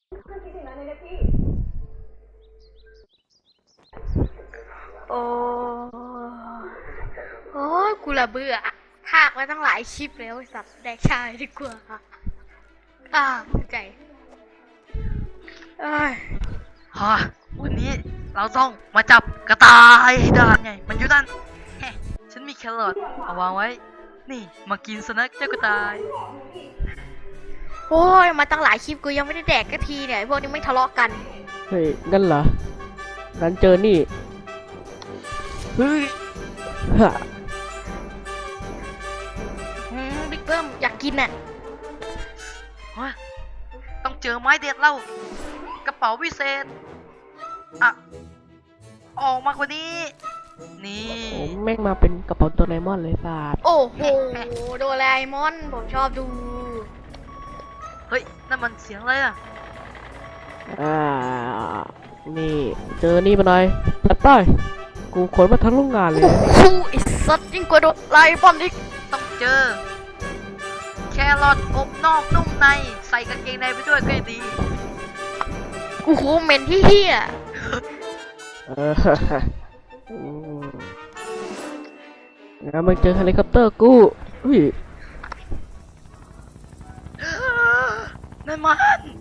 โอ้โอ้ยกูละเบื่อพากไว้ตั้งหลายคลิปแล้วไอ้สัตว์แดกชายดีกว่าใจเอ้ยฮะวันนี้เราต้องมาจับกระต่ายให้ได้ไงมันอยู่นั่นแฮะฉันมีแครอทเอาวางไว้นี่มากินสนักเจ้ากระต่ายโอ้ยมาตั้งหลายคลิปกูยังไม่ได้แดกสักทีเนี่ยไอ้พวกนี้ไม่ทะเลาะกันเฮ้ยงั้นเหรองั้นเจอนี่เฮ้ยฮะบิ๊กเบิ้มอยากกินน่ะฮะต้องเจอไม้เด็ดเล่ากระเป๋าวิเศษอ่ะออกมากว่านี้นี่ผมแม่งมาเป็นกระเป๋าโดเรมอนเลยศาสตร์โอ้โหโดราเอมอนผมชอบดูเฮ้ยนั่นมันเสียงอะไรอ่ะอ่านี่เจอนี่มาหน่อยจัดไปกูขนมาทั้งโรงงานเลยโอ้โหไอ้สัตว์ยิ่งกว่าโดราเอมอนอีกต้องเจอแครอทอบนอกนุ่มในใส่กางเกงในไปด้วยก็ยังดีกูโหเหม็นที่เหี้ยเอออืมงั้นมึงเจอเฮลิคอปเตอร์กูอุ้ยนั่นมัน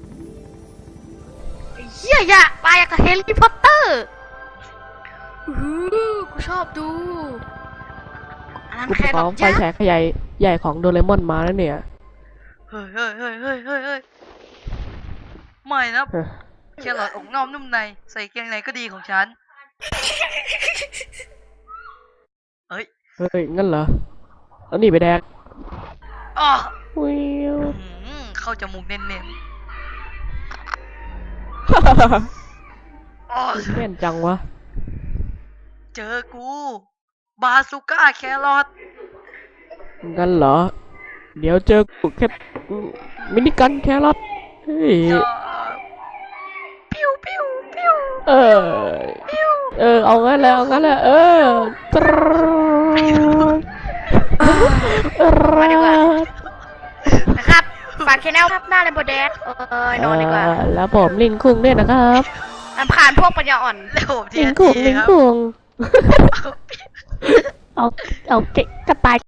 ไอ้เหี้ยอย่าปลาอยากกับเฮลิคอปเตอร์กูชอบดูอันนั้นกูแค่ขดออกไฟยักษ์ฉายขยายใหญ่ของโดเรมอนมาแล้วเนี่ยเฮ้ยเฮ้ยเฮ้ยเฮ้ยเฮ้ยเฮ้ยไม่นะเฮ้ยแครอทอกนอกนุ่มในใส่กางเกงในก็ดีของฉันเฮ้ยเฮ้ยงั้นเหรอแล้วนี่ไปแดกอ้อวิวเข้าจมูกเน้นๆอ้อแม่นจังวะเจอกูบาซูก้าแครอทงั้นเหรอเดี๋ยวเจอกูแค่มินิกันแครอทเฮ้ยจะปิ้วปิ้วปิ้วเออเอางั้นแล้วเอางั้นแล้วตรมาดีกว่านะครับฝากชแนลหน้าเลนโบเดสนอนดีกว่าแล้วผมลินคุงด้วยนะครับผ่านพวกปัญญาอ่อนแล้วผมลิน TNT คุงครับเอาเกะกระต่าย